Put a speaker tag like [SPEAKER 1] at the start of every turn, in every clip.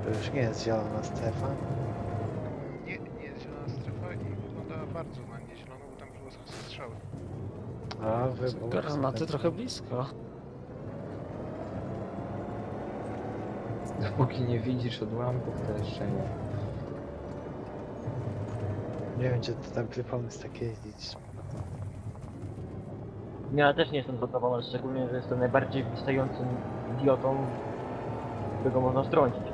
[SPEAKER 1] To już nie jest zielona strefa.
[SPEAKER 2] Nie jest zielona strefa i wygląda bardzo na niezieloną, bo tam było strzały.
[SPEAKER 1] A wybuch.
[SPEAKER 3] Granaty trochę blisko.
[SPEAKER 4] Dopóki nie widzisz odłamków, to jeszcze nie.
[SPEAKER 1] Nie wiem, czy to dobry pomysł tak jeździć.
[SPEAKER 5] Ja też nie jestem zadowolony, szczególnie, że jestem najbardziej wystającym idiotą, którego można strącić.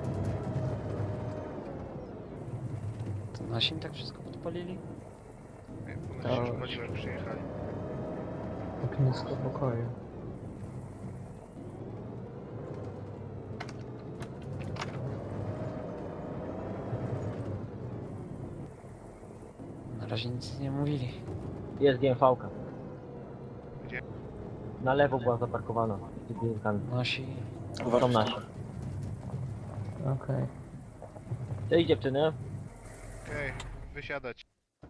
[SPEAKER 3] To nasi tak wszystko podpalili?
[SPEAKER 2] Nie, ponoć się już paliło, jak przyjechali.
[SPEAKER 4] Ognisko pokoju.
[SPEAKER 3] Na razie nic nie mówili.
[SPEAKER 5] Jest GMV-ka.
[SPEAKER 2] Gdzie?
[SPEAKER 5] Na lewo była zaparkowana. Z budynkami.
[SPEAKER 3] Nasi...
[SPEAKER 5] Są nasi.
[SPEAKER 4] Okej.
[SPEAKER 5] Cześć dziewczyny.
[SPEAKER 2] Okej, wysiadać.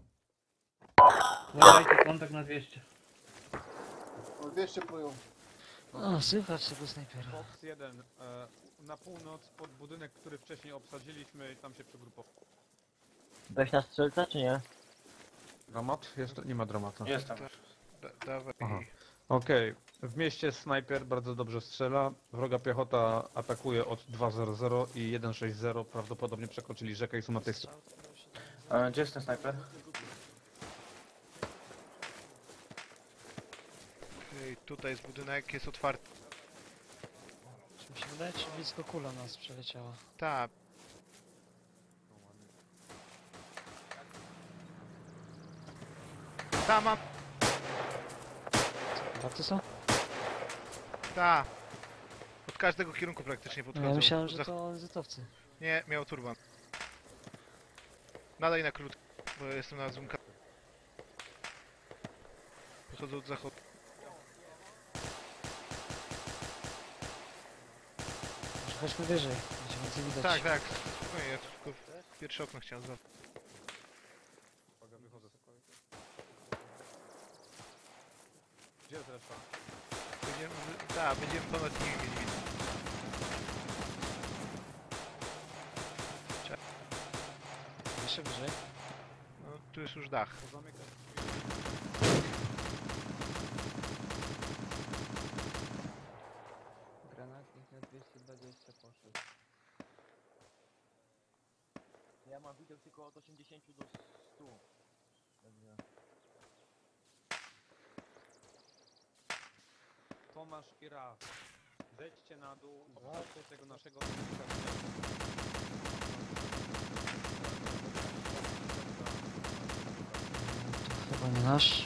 [SPEAKER 6] Dajcie kontakt na 200.
[SPEAKER 7] O 200 plują.
[SPEAKER 3] O, słychać tego snajpera.
[SPEAKER 8] Fox 1, na północ pod budynek, który wcześniej obsadziliśmy, tam się przygrupował.
[SPEAKER 5] Weź na strzelca, czy nie?
[SPEAKER 8] Dramat? Jeszcze nie ma dramatu.
[SPEAKER 6] Jestem.
[SPEAKER 2] Dawaj.
[SPEAKER 8] Aha. Okej, w mieście snajper bardzo dobrze strzela, wroga piechota atakuje od 200 i 160, prawdopodobnie przekroczyli rzekę i są na tej stronie.
[SPEAKER 6] Gdzie jest ten snajper?
[SPEAKER 2] Okej, tutaj jest budynek, jest otwarty.
[SPEAKER 3] Czy mi się wydaje, czy blisko kula nas przeleciała?
[SPEAKER 2] Tak, tam mam,
[SPEAKER 3] Kontakty są?
[SPEAKER 2] ta. Od każdego kierunku praktycznie
[SPEAKER 3] No,
[SPEAKER 2] podchodzą.
[SPEAKER 3] ja myślałem, że
[SPEAKER 2] Zach-
[SPEAKER 3] to ONZ-owcy.
[SPEAKER 2] Nie, miał turban. Nadaj na krótko, bo ja jestem na zoomka. Podchodzą od zachodu.
[SPEAKER 3] Może chodźmy wyżej, będzie więcej widać.
[SPEAKER 2] Tak, tak. Spokojnie, ja tylko pierwsze okno chciałem za.
[SPEAKER 8] Uwaga, wychodzę. Gdzie jest reszta?
[SPEAKER 2] Będziemy ponad nimi mieli widzę.
[SPEAKER 3] Jeszcze wyżej.
[SPEAKER 2] No, tu jest już dach.
[SPEAKER 8] Pozamykać.
[SPEAKER 4] Granatnik na 220 poszedł.
[SPEAKER 5] Ja mam widok tylko od 80 do 100. Także...
[SPEAKER 8] Tomasz i Raf, zejdźcie na dół, obchodźcie tego naszego...
[SPEAKER 3] To chyba nie nasz.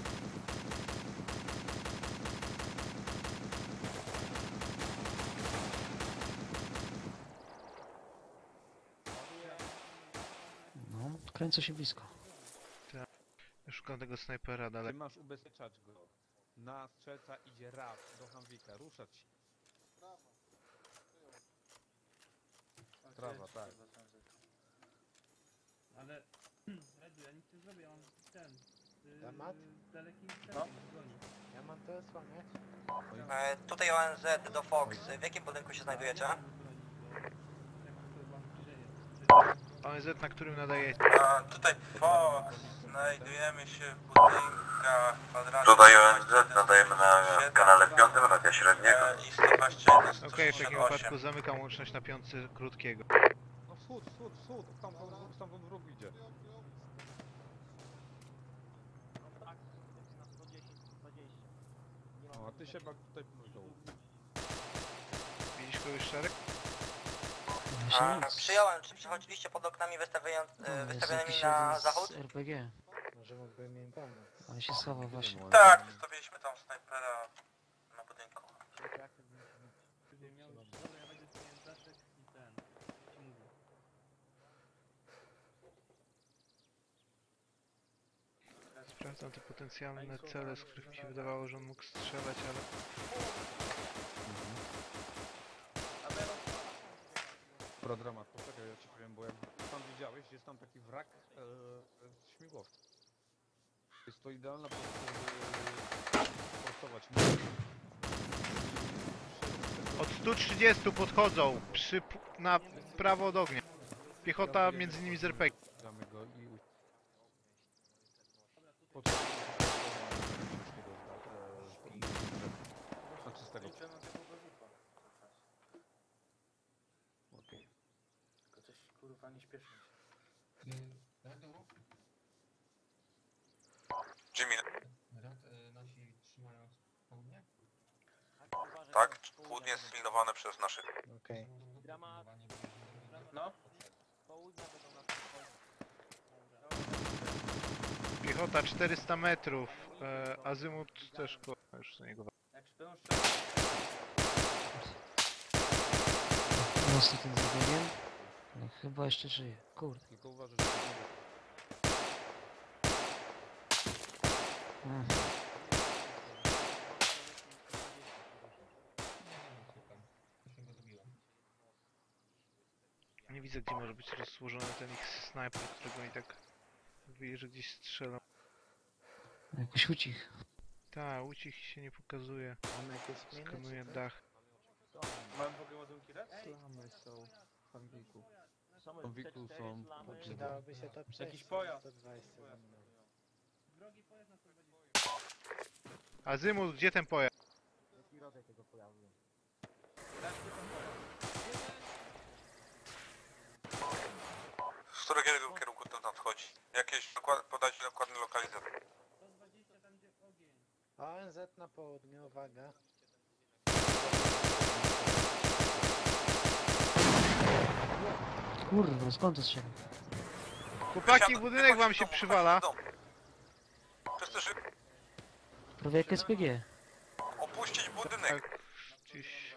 [SPEAKER 3] No, kręcę się blisko.
[SPEAKER 2] Ja szukam tego snajpera
[SPEAKER 8] Ty
[SPEAKER 2] dalej.
[SPEAKER 8] masz ubezpieczać go. Na strzelca idzie Raf do Hamwika, ruszać się. Trawa, tak.
[SPEAKER 6] Ale... Redu, ja nic nie zrobię, on ten...
[SPEAKER 1] Dramat?
[SPEAKER 6] Daleki
[SPEAKER 1] No. Ja mam to słaniać.
[SPEAKER 9] Tutaj ONZ do Fox. W jakim budynku się znajdujecie?
[SPEAKER 2] ONZ, na którym nadaje.
[SPEAKER 9] Tutaj Fox. Znajdujemy się w budynkach kwadratu. Tutaj ONZ nadajemy na kanale 5 radia średniego. I 121,
[SPEAKER 2] Okej, w takim
[SPEAKER 9] 168.
[SPEAKER 2] wypadku zamykam łączność na piątce krótkiego.
[SPEAKER 8] No wschód, stamtąd wróg idzie.
[SPEAKER 5] Tak, na 110, 120.
[SPEAKER 8] No, a ty się bak tutaj z dołu.
[SPEAKER 2] Widzisz kogoś szereg?
[SPEAKER 3] Myślę, nic.
[SPEAKER 9] Przyjąłem, czy przechodziliście pod oknami
[SPEAKER 3] Jest
[SPEAKER 9] wystawionymi
[SPEAKER 3] jakiś
[SPEAKER 9] na
[SPEAKER 3] jeden
[SPEAKER 9] zachód?
[SPEAKER 3] z RPG.
[SPEAKER 1] Może mógłbym im pomóc.
[SPEAKER 3] On się schował właśnie.
[SPEAKER 9] Tak, wystawiliśmy tam snajpera na budynku.
[SPEAKER 6] Dobra, ja będę zmieniać daszek i ten... ci mówię.
[SPEAKER 2] Sprawdzam te potencjalne cele, z których mi się wydawało, że on mógł strzelać, ale...
[SPEAKER 8] Dobra, dramat, poczekaj, ja ci powiem, bo jak tam widziałeś, jest tam taki wrak śmigłowca. Jest to idealna pozycja, żeby forsować.
[SPEAKER 2] Od 130 podchodzą na prawo od ognia. Piechota między nimi z RPG.
[SPEAKER 8] Damy go i... Znaczy z tego. Okej.
[SPEAKER 6] Tylko coś kurwa nie śpieszy się.
[SPEAKER 9] Jimmy. Tak, południe jest sfilmowane przez naszych.
[SPEAKER 1] Okej.
[SPEAKER 6] No.
[SPEAKER 2] Piechota 400 metrów. Azymut też już do niego.
[SPEAKER 6] Jak śpią strzelać.
[SPEAKER 3] Mocno ten zabiegiem. No chyba jeszcze żyje. Kurde.
[SPEAKER 8] Tylko uważaj, że...
[SPEAKER 3] Mm.
[SPEAKER 2] Nie widzę, gdzie może być rozłożony ten ich snajper, którego oni tak mówili, że gdzieś strzelą.
[SPEAKER 3] Jakoś ucich.
[SPEAKER 2] Ta, ucich się nie pokazuje.
[SPEAKER 1] Mamy jakieś miny,
[SPEAKER 2] Skanuje
[SPEAKER 1] czy co?
[SPEAKER 2] dach.
[SPEAKER 6] Mam w ogóle ładunki red?
[SPEAKER 4] Slamy są w Hambiku.
[SPEAKER 8] Są Wiku, są...
[SPEAKER 1] Przydałoby się to przejść.
[SPEAKER 6] Jakiś pojazd.
[SPEAKER 1] 120 za mną.
[SPEAKER 2] Azymut, gdzie ten pojazd?
[SPEAKER 9] Z którego kierunku to nadchodzi? Jakieś podać dokładny lokalizator.
[SPEAKER 1] ONZ na południu, uwaga.
[SPEAKER 3] Kurwa, skąd to strzela?
[SPEAKER 2] Chłopaki, budynek wam się przywala.
[SPEAKER 9] Wszyscy szybko
[SPEAKER 3] Prawie jak SPG.
[SPEAKER 9] opuścić budynek.
[SPEAKER 2] Tak, gdzieś...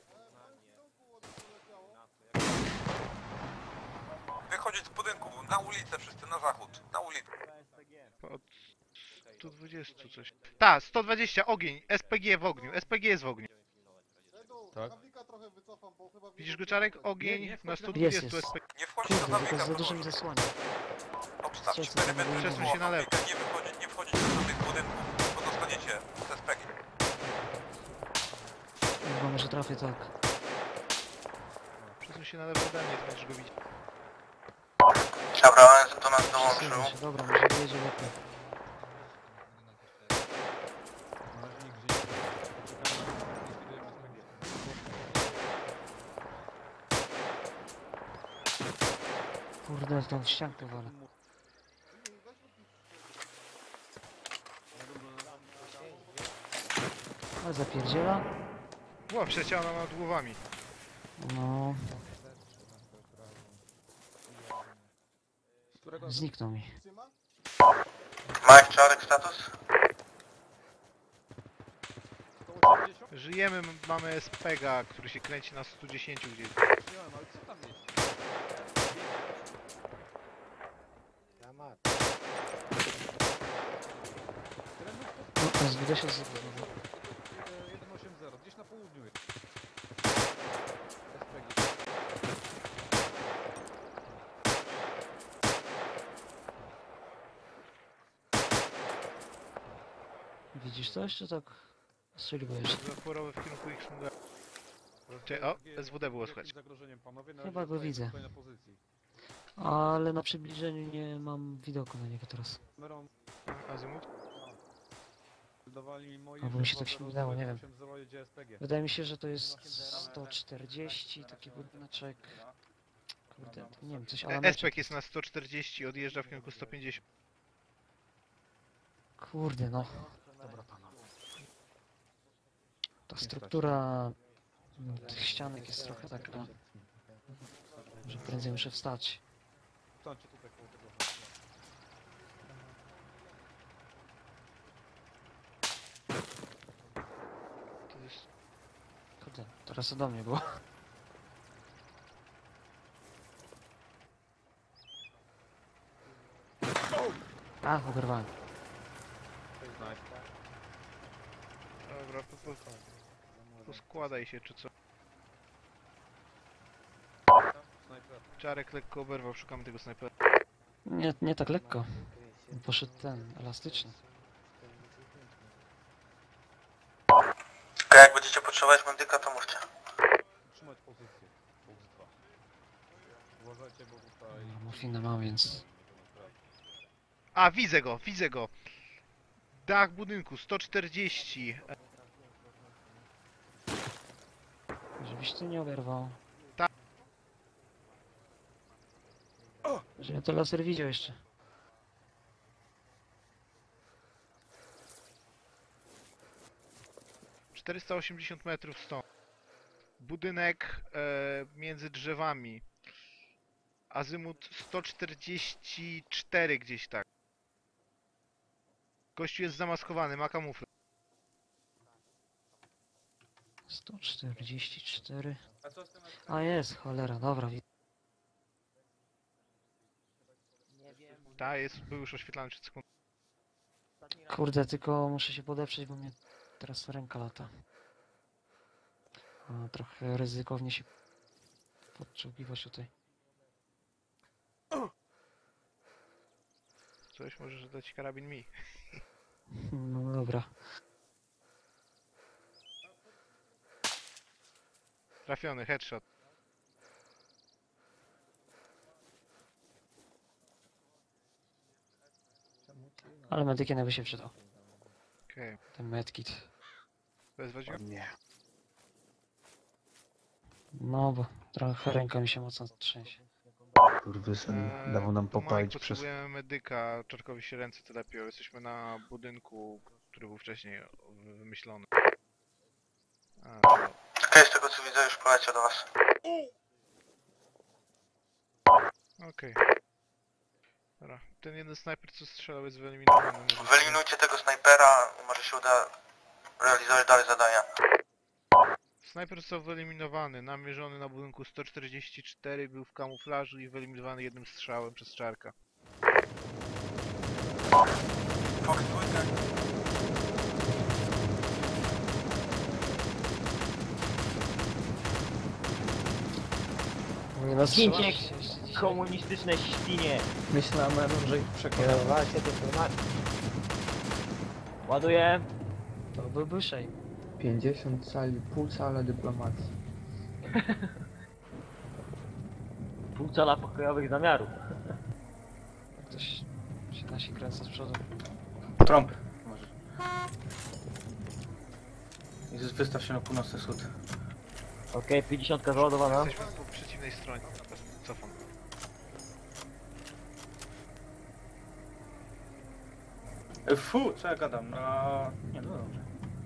[SPEAKER 9] Wychodzić z budynku, na ulicę wszyscy, na zachód. Na ulicę.
[SPEAKER 2] Od 120 coś. Ta, 120, ogień. SPG w ogniu. SPG jest w ogniu.
[SPEAKER 8] Tak.
[SPEAKER 7] Nawika trochę wycofam, bo chyba
[SPEAKER 2] Widzisz go, Czarek? Ogień
[SPEAKER 8] Nie,
[SPEAKER 2] na
[SPEAKER 8] wchodź na
[SPEAKER 2] 120
[SPEAKER 3] Jest, jest.
[SPEAKER 2] SPG.
[SPEAKER 9] Nie wchodzić do
[SPEAKER 3] Kurde, tylko
[SPEAKER 9] zamyka,
[SPEAKER 3] za dużo mi zasłania.
[SPEAKER 9] obstawcie
[SPEAKER 3] Strzelcy
[SPEAKER 9] perymetr,
[SPEAKER 2] przesuń się na lewo.
[SPEAKER 9] nie wchodzić do żadnych budynków, bo dostaniecie z SPG.
[SPEAKER 3] Chyba może trafię tak.
[SPEAKER 2] Przesuń się na lewo ode mnie, to będziesz go widzieć.
[SPEAKER 9] Dobra, ONZ do nas
[SPEAKER 3] Przesuwam się, dobra, może wyjedzie lepiej.
[SPEAKER 8] Na razie nikt gdzieś... Poczekamy na
[SPEAKER 3] Kurde, tam w ściankę walę. Ale zapierdziela.
[SPEAKER 2] Ło, przecięła nam nad głowami.
[SPEAKER 3] No,
[SPEAKER 8] Z którego...
[SPEAKER 3] zniknął mi.
[SPEAKER 7] trzyma.
[SPEAKER 9] Mike, Czarek, status?
[SPEAKER 8] 180?
[SPEAKER 2] Żyjemy, mamy SPG, który się kręci na 110 gdzieś.
[SPEAKER 8] Przyjąłem, ale co tam jest?
[SPEAKER 1] Dramat.
[SPEAKER 3] No, SWD się zabudował.
[SPEAKER 8] 180, gdzieś na południu jest. SPG.
[SPEAKER 3] Widzisz coś, czy tak strzeliłeś?
[SPEAKER 2] Zaporowy w kierunku ich smuga. O, SWD było słychać.
[SPEAKER 8] Zagrożeniem, panowie. Na
[SPEAKER 3] Chyba
[SPEAKER 8] razie
[SPEAKER 3] go
[SPEAKER 8] zostajemy
[SPEAKER 3] widzę.
[SPEAKER 8] tutaj na pozycji.
[SPEAKER 3] Ale na przybliżeniu nie mam widoku na niego teraz.
[SPEAKER 8] Kamerą
[SPEAKER 2] Azymut?
[SPEAKER 8] dawali mi moi...
[SPEAKER 3] Albo mi się tak śmignęło, nie wiem.
[SPEAKER 8] 8-0 jedzie SPG.
[SPEAKER 3] Wydaje mi się, że to jest 140, taki budyneczek. Kurde, nie wiem, coś ale
[SPEAKER 2] SPG jest na 140, odjeżdża w kierunku 150.
[SPEAKER 3] Kurde, no.
[SPEAKER 8] Dobra, panowie.
[SPEAKER 3] Ta struktura tych ścianek jest trochę taka, że prędzej muszę wstać.
[SPEAKER 8] Stańcie tutaj koło tego.
[SPEAKER 2] To jest...
[SPEAKER 3] Kurde, teraz to do mnie było. A, oberwałem.
[SPEAKER 2] Dobra, poskładaj się czy co.
[SPEAKER 8] Snajper.
[SPEAKER 2] Czarek lekko oberwał, szukamy tego snajpera.
[SPEAKER 3] Nie tak lekko. Poszedł ten, elastyczny.
[SPEAKER 9] Tylko jak będziecie potrzebować medyka, to mówcie.
[SPEAKER 8] Uważajcie, bo tutaj...
[SPEAKER 3] Morfinę mam, więc...
[SPEAKER 2] A, widzę go, widzę go. Dach budynku, 140.
[SPEAKER 3] Żebyś ty nie oberwał.
[SPEAKER 2] Tak.
[SPEAKER 3] Że ja to laser widział jeszcze.
[SPEAKER 2] - 480 metrów stąd. Budynek między drzewami. Azymut 144 gdzieś tak. Gościu jest zamaskowany, ma kamuflaż.
[SPEAKER 3] 144.
[SPEAKER 6] A co z tym?
[SPEAKER 3] A jest, cholera, dobra.
[SPEAKER 2] Ta jest, był już oświetlany przed sekundą.
[SPEAKER 3] Kurde, tylko muszę się podeprzeć, bo mnie teraz ręka lata. A, trochę ryzykownie się podczepiwać tutaj.
[SPEAKER 2] Coś możesz dać karabin mi.
[SPEAKER 3] No dobra.
[SPEAKER 2] Trafiony, headshot.
[SPEAKER 3] Ale medykiem by się przydał.
[SPEAKER 2] Okej.
[SPEAKER 3] Ten medkit.
[SPEAKER 2] Wezwać go?
[SPEAKER 1] Nie.
[SPEAKER 3] No bo trochę ręka mi się mocno trzęsie.
[SPEAKER 10] Kurwysyn dawał nam
[SPEAKER 2] to Mike,
[SPEAKER 10] popalić przez...
[SPEAKER 2] potrzebujemy medyka. Czarkowi się ręce telepią. Jesteśmy na budynku, który był wcześniej wymyślony. A,
[SPEAKER 9] Okej, z tego co widzę już poleciał do was.
[SPEAKER 2] okej. Dobra, ten jeden snajper co strzelał jest wyeliminowany.
[SPEAKER 9] Wyeliminujcie tego snajpera, może się uda realizować dalej zadania.
[SPEAKER 2] Snajper został wyeliminowany, namierzony na budynku 144, był w kamuflażu i wyeliminowany jednym strzałem przez Czarka.
[SPEAKER 9] Fox dwójka.
[SPEAKER 3] Nie no,
[SPEAKER 5] Zdjęcie
[SPEAKER 3] strzelasz się jeszcze dzisiaj.
[SPEAKER 5] Komunistyczne świnie.
[SPEAKER 10] Myślałem, że ich przekonam.
[SPEAKER 1] Kierowacie dyplomacji.
[SPEAKER 5] Ładuję.
[SPEAKER 3] To byłby shame.
[SPEAKER 4] 50 cali, pół cala dyplomacji.
[SPEAKER 5] Pół cala pokojowych zamiarów.
[SPEAKER 3] Ktoś się nasi kręca z przodu.
[SPEAKER 6] Trąb. Może. I wystaw się na północny wschód.
[SPEAKER 5] Okej, 50 załadowana.
[SPEAKER 2] Jesteśmy po przeciwnej stronie. Cofam.
[SPEAKER 6] Fu, co ja gadam? No... Nie, no dobrze.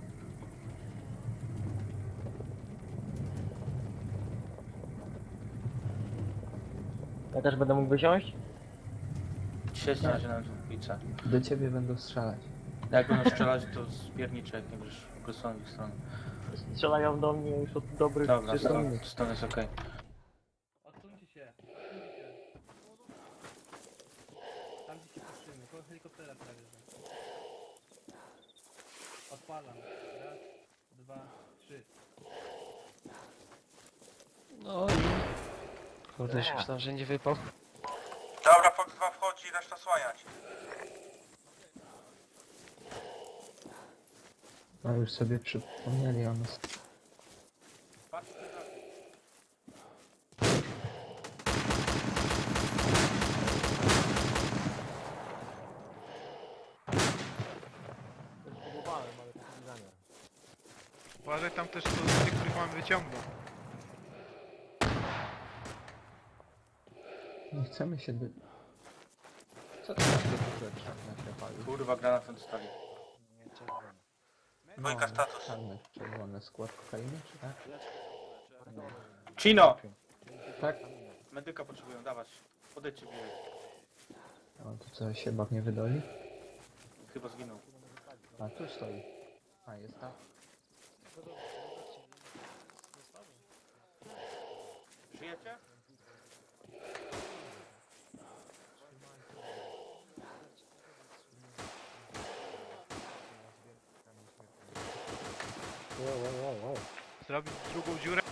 [SPEAKER 5] Ja też będę mógł wysiąść?
[SPEAKER 6] Siedź na razie na dwójce.
[SPEAKER 4] Do ciebie będą strzelać.
[SPEAKER 6] Jak będą strzelać, to spierniczy, jak nie będziesz agresowany w ich stronę.
[SPEAKER 5] Strzelają do mnie już od dobrych
[SPEAKER 6] Dobra,
[SPEAKER 5] 300 minut.
[SPEAKER 6] stąd jest okej.
[SPEAKER 2] Odsuńcie się, Tam gdzie się patrzymy, koło helikoptera prawie. Odpalam. Raz, dwa, trzy.
[SPEAKER 3] No i... Kurde, już myślałem, że nie wypał.
[SPEAKER 9] Dobra, Fox 2 wchodzi, reszta słaniać.
[SPEAKER 4] No już sobie przypomnieli o nas.
[SPEAKER 2] Uważaj, tam też są ludzie, których mamy wyciągnąć.
[SPEAKER 4] Nie chcemy się Co to takie duże czarne się pali?
[SPEAKER 6] Kurwa, granatem dostali.
[SPEAKER 1] Nie, czerwony.
[SPEAKER 9] Dwójka status.
[SPEAKER 4] Czarne, czerwone, skład kokainy, czy tak?
[SPEAKER 6] Chino!
[SPEAKER 4] Tak?
[SPEAKER 6] Medyka potrzebują, dawać. Podejdźcie bliżej.
[SPEAKER 4] O, to co, się bab nie wydoli?
[SPEAKER 6] Chyba zginął.
[SPEAKER 4] A, tu stoi. A, jest tak.
[SPEAKER 6] Żyjecie?
[SPEAKER 1] Wow.
[SPEAKER 2] Zrobić drugą dziurę.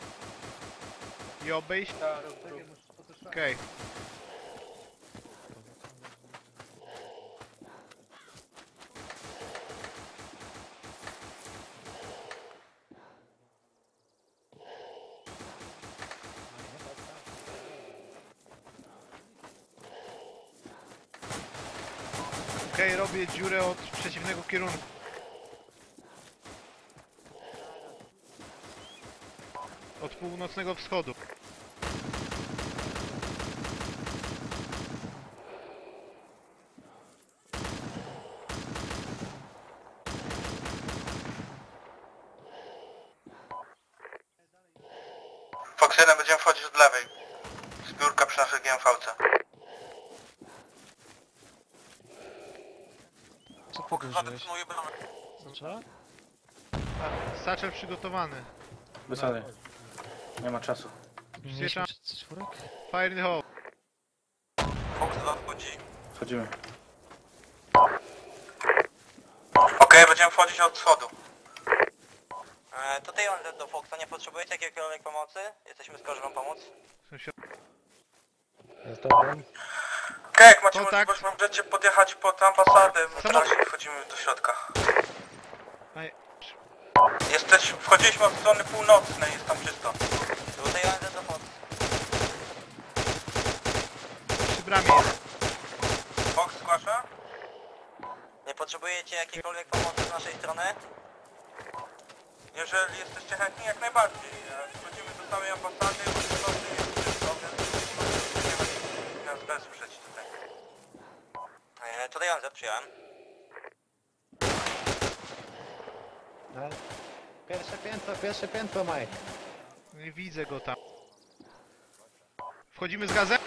[SPEAKER 2] I obejść.
[SPEAKER 6] Tak,
[SPEAKER 2] Okej. Okej, robię dziurę od przeciwnego kierunku. Od północnego wschodu.
[SPEAKER 9] Fox 1 będziemy wchodzić od lewej. Zbiórka przy naszej GMV-ce.
[SPEAKER 3] Co podejrzewałeś? Zaczęła?
[SPEAKER 2] Satchel przygotowany.
[SPEAKER 10] Wysady. Nie ma czasu.
[SPEAKER 3] Mieliśmy czwórek?
[SPEAKER 2] Fire in the hole.
[SPEAKER 9] Fox 2 wchodzi.
[SPEAKER 10] Wchodzimy.
[SPEAKER 9] Okej, będziemy wchodzić od wschodu. Tutaj on do Foxa, nie potrzebujecie jakiejkolwiek pomocy? Jesteśmy skoro wam pomóc.
[SPEAKER 1] Jest dobrym.
[SPEAKER 9] Okej, jak macie
[SPEAKER 2] Kontakt.
[SPEAKER 9] możliwość, możecie podjechać pod ambasadę, my
[SPEAKER 2] Samo-
[SPEAKER 9] teraz wchodzimy do środka.
[SPEAKER 2] Aj.
[SPEAKER 9] Wchodziliśmy od strony północnej, jest tam czysto. Tutaj on do Fox.
[SPEAKER 2] Przy bramie jest.
[SPEAKER 9] Fox zgłasza? Nie potrzebujecie jakiejkolwiek pomocy z naszej strony? Jeżeli jesteście chętni, jak najbardziej. Wchodzimy do samej ambasady, północy jest czysto, więc możecie nas wesprzeć tutaj. Tutaj on przyjąłem.
[SPEAKER 1] No. Pierwsze piętro, Mike.
[SPEAKER 2] Nie widzę go tam. Wchodzimy z gazem?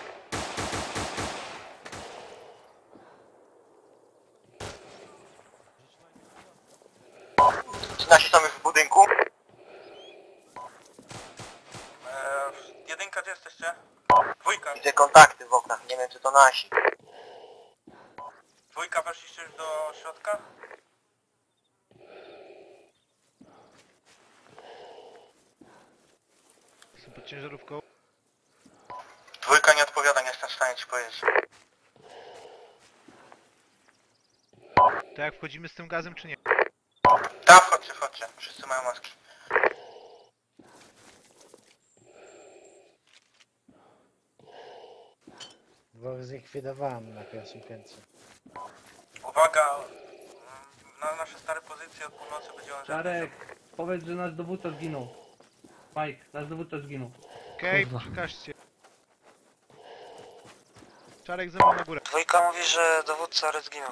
[SPEAKER 9] Czy nasi są już w budynku? Jedynka, gdzie jesteście? Dwójka.
[SPEAKER 5] Widzę kontakty w oknach, nie wiem czy to nasi.
[SPEAKER 9] Dwójka, weszliście już do środka?
[SPEAKER 2] Jestem pod ciężarówką.
[SPEAKER 9] Dwójka nie odpowiada, nie jestem w stanie ci powiedzieć.
[SPEAKER 2] To jak wchodzimy z tym gazem, czy nie?
[SPEAKER 9] Tam wchodźcie, wszyscy mają maski.
[SPEAKER 1] Dwóch zlikwidowałem na pierwszym piętrze.
[SPEAKER 9] Uwaga, na nasze stare pozycje od północy będzie on...
[SPEAKER 6] Czarek, powiedz, że nasz dowódca zginął. Mike, nasz dowódca zginął.
[SPEAKER 2] Okej,
[SPEAKER 3] Kurwa.
[SPEAKER 2] przekażcie. Czarek ze mną na górę.
[SPEAKER 9] Dwójka mówi, że dowódca Red zginął.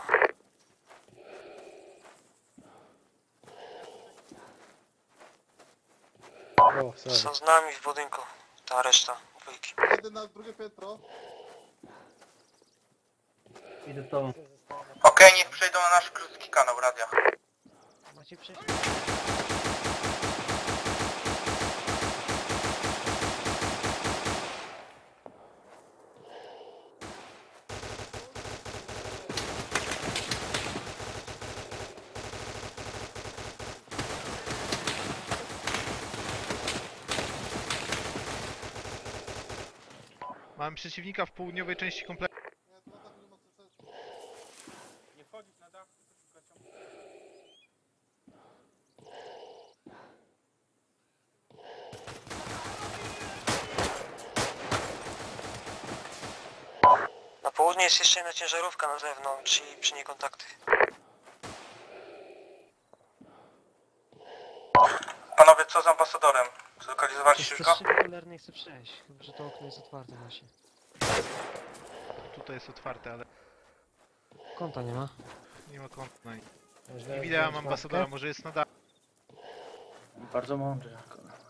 [SPEAKER 1] Dwóch, sorry.
[SPEAKER 9] z nami w budynku, ta reszta dwójki.
[SPEAKER 7] Jeden na drugie piętro.
[SPEAKER 6] Idę z tobą.
[SPEAKER 9] Okej, niech przejdą na nasz krótki kanał radia.
[SPEAKER 3] Macie przejść?
[SPEAKER 2] Mamy przeciwnika w południowej części kompleksu.
[SPEAKER 7] Nie, to na tak nie ma sensu.
[SPEAKER 9] Nie wchodzić na dach, Na południe jest jeszcze jedna ciężarówka na zewnątrz i przy niej kontakty. Panowie, co z ambasadorem? Zlokalizowaliście już go?
[SPEAKER 3] Przez szyby cholerne nie chcę przejść, chyba że to okno jest otwarte właśnie.
[SPEAKER 2] Tutaj jest otwarte, ale
[SPEAKER 3] Kąta nie ma.
[SPEAKER 2] nie ma kąt na nim.
[SPEAKER 1] Można
[SPEAKER 2] Nie widziałem
[SPEAKER 1] wziąć
[SPEAKER 2] ambasadora,
[SPEAKER 1] maskę?
[SPEAKER 2] może jest na dachu.
[SPEAKER 10] Bardzo mądry.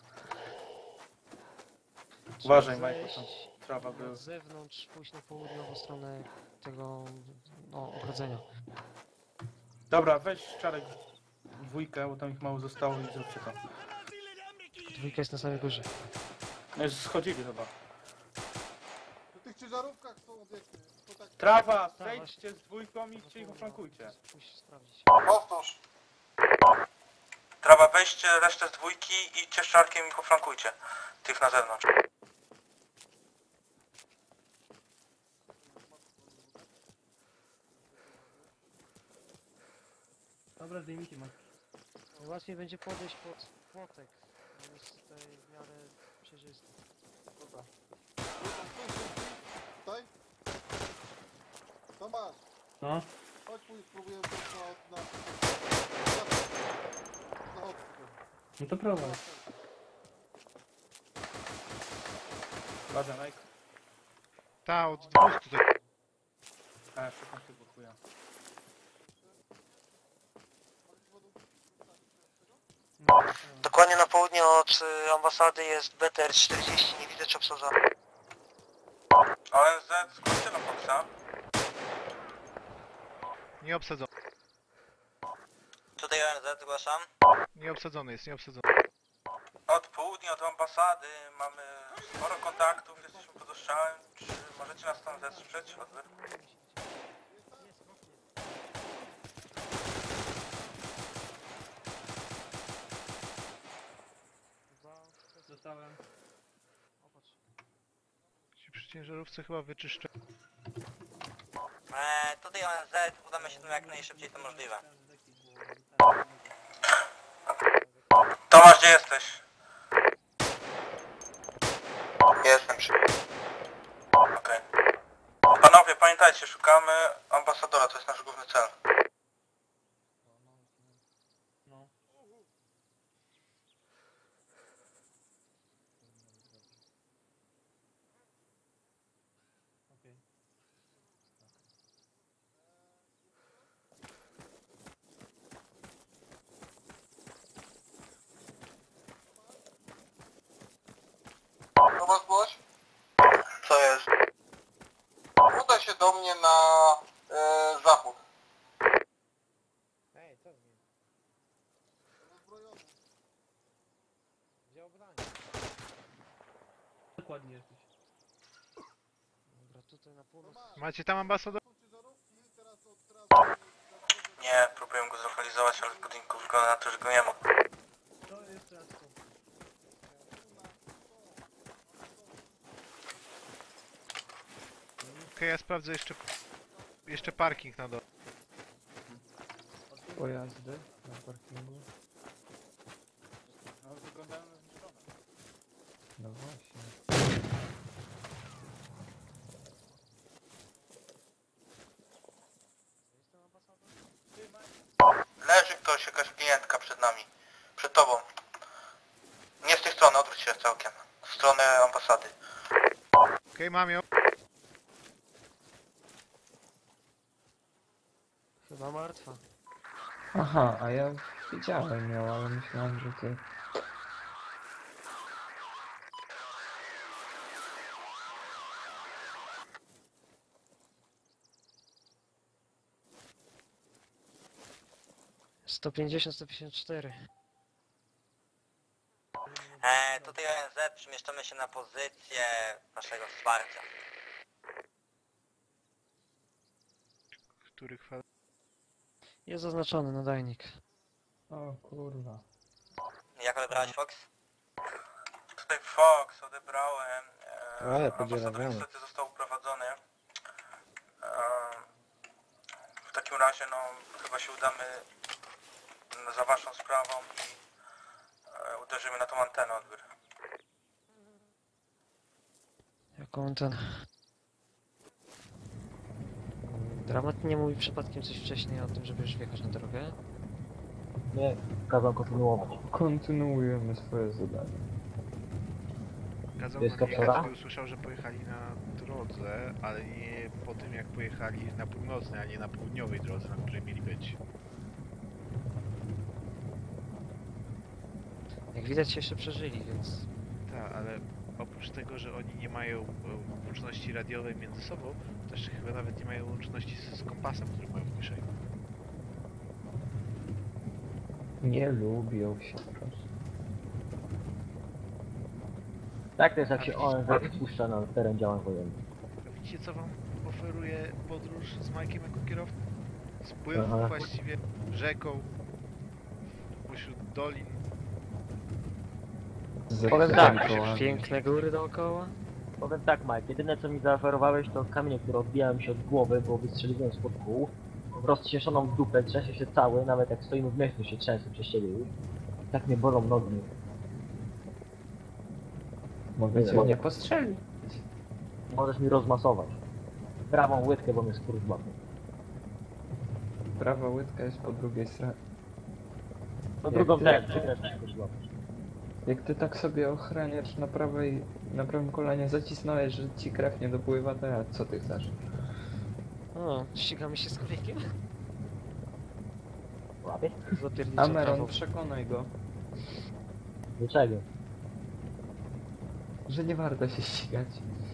[SPEAKER 10] Uważaj,
[SPEAKER 3] Trzeba
[SPEAKER 10] Mike, bo tam
[SPEAKER 3] zejść
[SPEAKER 10] trawa
[SPEAKER 3] na
[SPEAKER 10] była.
[SPEAKER 3] zewnątrz, pójść na południową stronę tego, no, ogrodzenia.
[SPEAKER 10] Dobra, weź Czarek dwójkę, bo tam ich mało zostało i zróbcie to.
[SPEAKER 3] Dwójka jest na samej górze.
[SPEAKER 10] No już schodzili chyba.
[SPEAKER 7] Na tych ciężarówkach są obiekty. Kontakty.
[SPEAKER 10] Trawa,
[SPEAKER 3] Tak,
[SPEAKER 10] zejdźcie z dwójką i idźcie ich oflankujcie.
[SPEAKER 3] Pójść sprawdzić.
[SPEAKER 9] Powtórz. Trawa, weźcie resztę z dwójki i idźcie z Czarkiem i poflankujcie. Tych na zewnątrz.
[SPEAKER 6] Dobra, zdejmijcie maski.
[SPEAKER 3] Łatwiej będzie podejść pod płotek. On jest tutaj w miarę przejrzysty.
[SPEAKER 7] Dobra. Tutaj? To masz.
[SPEAKER 6] No,
[SPEAKER 7] Chodź pójdź, spróbujemy to na... Zachodź.
[SPEAKER 10] No to prowadź. Uwaga, Nike.
[SPEAKER 2] Ta, od 200 tutaj.
[SPEAKER 10] A, szukam tego chuja.
[SPEAKER 9] Dokładnie na południe od ambasady jest BTR 40, nie widzę czy obsadzony. ONZ, zgłoście na Foxa.
[SPEAKER 2] Nie obsadzony.
[SPEAKER 9] Tutaj ONZ, zgłaszam.
[SPEAKER 2] Nie obsadzony jest, nie obsadzony.
[SPEAKER 9] Od południa, od ambasady mamy sporo kontaktów, jesteśmy pod ostrzałem. Czy możecie nas tam wesprzeć? Odbiór.
[SPEAKER 6] Dostałem.
[SPEAKER 2] Ci przy ciężarówce chyba wyczyszczę.
[SPEAKER 9] Tutaj ONZ, udamy się tam jak najszybciej to możliwe. Tomasz, gdzie jesteś? Jestem przy... Okej. Panowie, pamiętajcie, szukamy ambasadora, to jest nasz główny cel.
[SPEAKER 6] No. Okej.
[SPEAKER 7] Tomasz, Błoś?
[SPEAKER 9] Co jest?
[SPEAKER 7] Udaj się do mnie na zachód.
[SPEAKER 1] Ej, co z nim?
[SPEAKER 7] Rozbrojony.
[SPEAKER 1] Wziął broń.
[SPEAKER 6] Dokładnie jesteś.
[SPEAKER 3] Dobra, tutaj na północ.
[SPEAKER 2] Macie tam ambasador?
[SPEAKER 7] Są ciężarówki, teraz
[SPEAKER 9] Nie, próbuję go zlokalizować, ale w budynku wygląda na to, że go nie ma.
[SPEAKER 6] To jest raz to.
[SPEAKER 2] Okej, ja sprawdzę jeszcze parking na dole.
[SPEAKER 4] Pojazdy na parkingu.
[SPEAKER 10] No wyglądają na zniszczone.
[SPEAKER 4] No właśnie.
[SPEAKER 9] Leży ktoś, jakaś klientka przed nami. Przed tobą. Nie z tej strony, odwróć się całkiem. W stronę ambasady.
[SPEAKER 2] Okej, mam ją.
[SPEAKER 3] Chyba martwa.
[SPEAKER 4] Aha, a ja widziałem ją, ale myślałem, że ty...
[SPEAKER 3] Sto 154.
[SPEAKER 9] Tutaj ONZ, przemieszczamy się na pozycję naszego wsparcia.
[SPEAKER 2] Których fal...
[SPEAKER 3] Jest zaznaczony nadajnik.
[SPEAKER 4] O kurwa.
[SPEAKER 9] Jak odebrałeś Fox? Tutaj Fox, odebrałem.
[SPEAKER 1] Ale
[SPEAKER 9] Ambasador
[SPEAKER 1] podzielawiamy.
[SPEAKER 9] niestety został uprowadzony. W takim razie, no, chyba się udamy za waszą sprawą i uderzymy na tą antenę odbiór.
[SPEAKER 3] Jaką ten... Dramat nie mówi przypadkiem coś wcześniej o tym, żeby już wjechać na drogę?
[SPEAKER 5] Nie, kazał kontynuować.
[SPEAKER 4] Kontynuujemy swoje zadanie.
[SPEAKER 2] Kazał
[SPEAKER 5] Jest
[SPEAKER 2] nam
[SPEAKER 5] kapsula?
[SPEAKER 2] jechać, usłyszał, że pojechali na drodze, ale nie po tym jak pojechali na północnej, a nie na południowej drodze, na której mieli być.
[SPEAKER 3] Jak widać się jeszcze przeżyli, więc...
[SPEAKER 2] Tak, ale oprócz tego, że oni nie mają łączności radiowej między sobą, to jeszcze chyba nawet nie mają łączności z kompasem, który mają w kieszeni.
[SPEAKER 4] Nie lubią się po prostu.
[SPEAKER 5] Tak to jest jak się ONZ spuszcza na teren działań wojennych.
[SPEAKER 2] A widzicie co wam oferuje podróż z Majkiem jako kierowcą? Spływ
[SPEAKER 5] Aha.
[SPEAKER 2] właściwie rzeką, pośród dolin.
[SPEAKER 5] Powiem tak,
[SPEAKER 3] Piękne góry dookoła.
[SPEAKER 5] powiem tak, Mike, jedyne co mi zaoferowałeś to kamienie, które odbijały się od głowy, bo wystrzeliłem spod kół. Rozcieszoną w dupę, trzęsie się cały, nawet jak stoimy w miejscu się trzęsę przez ciebie już. Tak mnie bolą nogi.
[SPEAKER 4] Mogę cię nie postrzelić.
[SPEAKER 5] Możesz mi rozmasować. Prawą łydkę, bo mnie skóry złapie.
[SPEAKER 4] Prawa łydka jest po drugiej stronie.
[SPEAKER 5] No
[SPEAKER 4] Jak
[SPEAKER 5] drugą
[SPEAKER 4] ty-
[SPEAKER 5] też, przykreśl szkodziło.
[SPEAKER 4] Jak ty tak sobie ochraniacz na prawym kolanie zacisnąłeś, że ci krew nie dopływa, to ja, co ty chcesz?
[SPEAKER 3] O, ścigamy się z kolejkiem.
[SPEAKER 5] Łapie?
[SPEAKER 3] Zapierniczam
[SPEAKER 4] Ameron,
[SPEAKER 3] prawo.
[SPEAKER 4] przekonaj go,
[SPEAKER 5] Do czego?
[SPEAKER 4] że nie warto się ścigać.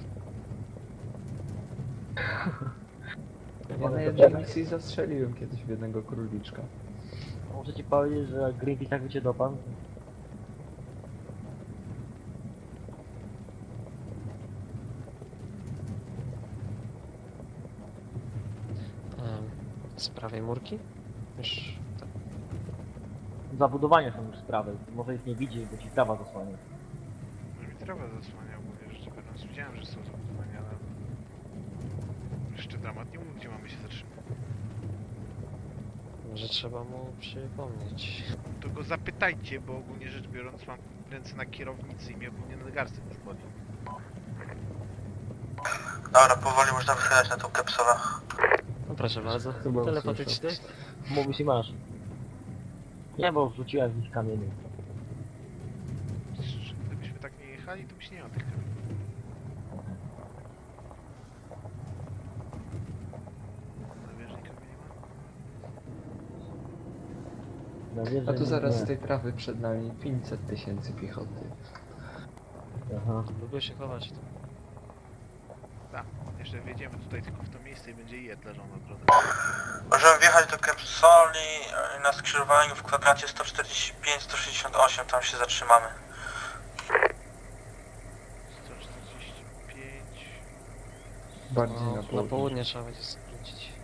[SPEAKER 4] Ja na jednej misji zastrzeliłem kiedyś w jednego króliczka.
[SPEAKER 5] Muszę ci powiedzieć, że Greenpeace tak by cię dopadł.
[SPEAKER 3] Z prawej murki? Już tak.
[SPEAKER 5] Zabudowania są już sprawy. Może ich nie widzisz, bo ci trawa zasłania.
[SPEAKER 2] No mi trawa zasłania, mówię, że biorąc, widziałem, że są zabudowania, ale... Jeszcze dramat nie mówił, gdzie mamy się zatrzymać.
[SPEAKER 3] Może trzeba mu przypomnieć.
[SPEAKER 2] To go zapytajcie, bo ogólnie rzecz biorąc mam ręce na kierownicy i mnie ogólnie nadgarstek już boli.
[SPEAKER 9] Dobra, powoli można wychylać na tą kapsulę.
[SPEAKER 3] No proszę bardzo.
[SPEAKER 4] Chyba
[SPEAKER 3] Telepatyczny.
[SPEAKER 5] Mówisz i masz. Nie, bo wrzuciłem w nich kamienie.
[SPEAKER 2] Gdybyśmy tak nie jechali, to byś nie miał tych kamieni. Nawierzchnika nie ma?
[SPEAKER 5] No, wiesz,
[SPEAKER 4] A
[SPEAKER 5] że
[SPEAKER 4] tu
[SPEAKER 5] nie-
[SPEAKER 4] zaraz z
[SPEAKER 5] nie.
[SPEAKER 4] tej trawy przed nami 500 000 piechoty.
[SPEAKER 5] Aha.
[SPEAKER 3] Lubię się chować.
[SPEAKER 2] Tak, jeszcze wjedziemy tutaj tylko w to miejsce i będzie jed leżał na drodze.
[SPEAKER 9] Możemy wjechać do kapsuli na skrzyżowaniu w kwadracie 145-168, tam się zatrzymamy.
[SPEAKER 2] 145...
[SPEAKER 4] Bardziej
[SPEAKER 3] No,
[SPEAKER 4] na
[SPEAKER 3] na
[SPEAKER 4] południe.
[SPEAKER 3] południe trzeba będzie skręcić.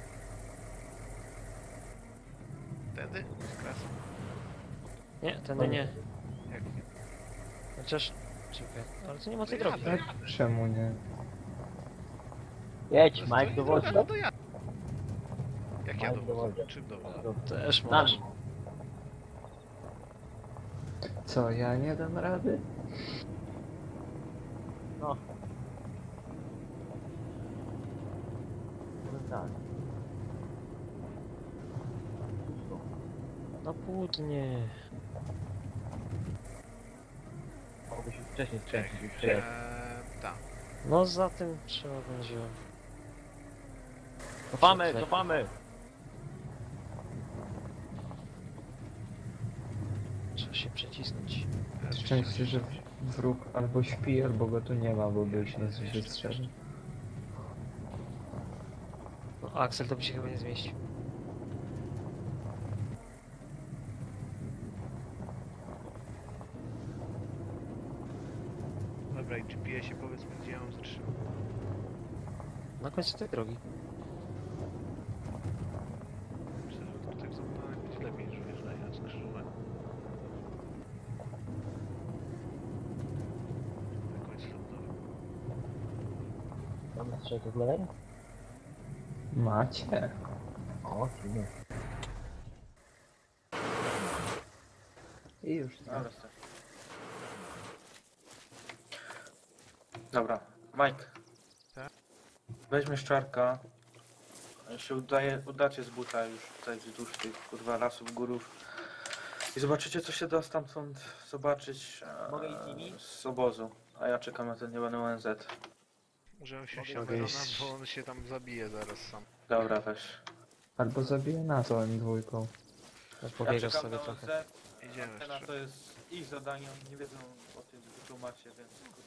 [SPEAKER 2] Wtedy? Kras.
[SPEAKER 3] Nie, tędy nie.
[SPEAKER 2] Jak nie?
[SPEAKER 3] Chociaż... Czekaj, ale tu nie ma tej
[SPEAKER 2] No
[SPEAKER 3] drogi.
[SPEAKER 2] jadę.
[SPEAKER 4] Czemu nie?
[SPEAKER 5] Jedź,
[SPEAKER 2] To
[SPEAKER 5] Mike,
[SPEAKER 2] jest
[SPEAKER 5] dowodzi.
[SPEAKER 2] droga, no to jadę. Jak ja
[SPEAKER 5] Mike
[SPEAKER 2] dowodzę?
[SPEAKER 5] dowodzi.
[SPEAKER 2] Czym dowodzę?
[SPEAKER 3] Też
[SPEAKER 5] Na
[SPEAKER 3] możesz.
[SPEAKER 5] mnie.
[SPEAKER 4] Co, ja nie dam rady?
[SPEAKER 5] No. No tak.
[SPEAKER 3] Na południe.
[SPEAKER 5] Mogłeś już wcześniej
[SPEAKER 2] Czekaj.
[SPEAKER 5] skręcić i przejechać.
[SPEAKER 2] Tak.
[SPEAKER 3] No za tym trzeba będzie...
[SPEAKER 5] Cofamy,
[SPEAKER 3] Czekaj.
[SPEAKER 5] cofamy!
[SPEAKER 3] Trzeba się przecisnąć.
[SPEAKER 4] Szczęście, że wróg albo śpi, albo go tu nie ma, bo by już nas wystrzelił.
[SPEAKER 3] No, Axel to by się chyba nie zmieścił.
[SPEAKER 2] Dobra, i GPS-ie powiedzmy, gdzie ja mam zatrzymać.
[SPEAKER 3] Na końcu tej drogi.
[SPEAKER 2] Myślę, że tutaj w zabudowanych będzie lepiej niż wyjeżdżanie na skrzyżowanie. Na końcu lądowym.
[SPEAKER 5] Mamy strzałkę z lewej?
[SPEAKER 4] Macie.
[SPEAKER 5] O, silny.
[SPEAKER 4] I już
[SPEAKER 10] Dobra, stary. Dobra, Mike.
[SPEAKER 2] Tak?
[SPEAKER 10] Weźmiesz czarka. Się udacie z buta już tutaj wzdłuż tych kurwa lasów, górów. I zobaczycie co się da stamtąd zobaczyć
[SPEAKER 5] Mogę iść z nimi?
[SPEAKER 10] z obozu. A ja czekam na ten niebany ONZ.
[SPEAKER 2] Możemy się
[SPEAKER 1] Mogę
[SPEAKER 2] Amerona,
[SPEAKER 1] iść.
[SPEAKER 2] bo on się tam zabije zaraz sam.
[SPEAKER 10] Dobra, weź.
[SPEAKER 4] Albo zabije nas M2.
[SPEAKER 10] Ja
[SPEAKER 3] Pobiegasz
[SPEAKER 10] czekam
[SPEAKER 3] sobie
[SPEAKER 10] na
[SPEAKER 3] trochę.
[SPEAKER 10] ONZ.
[SPEAKER 2] Idziemy
[SPEAKER 10] Antena
[SPEAKER 2] jeszcze.
[SPEAKER 10] to jest ich zadanie, oni nie wiedzą o tym, że tu macie, więc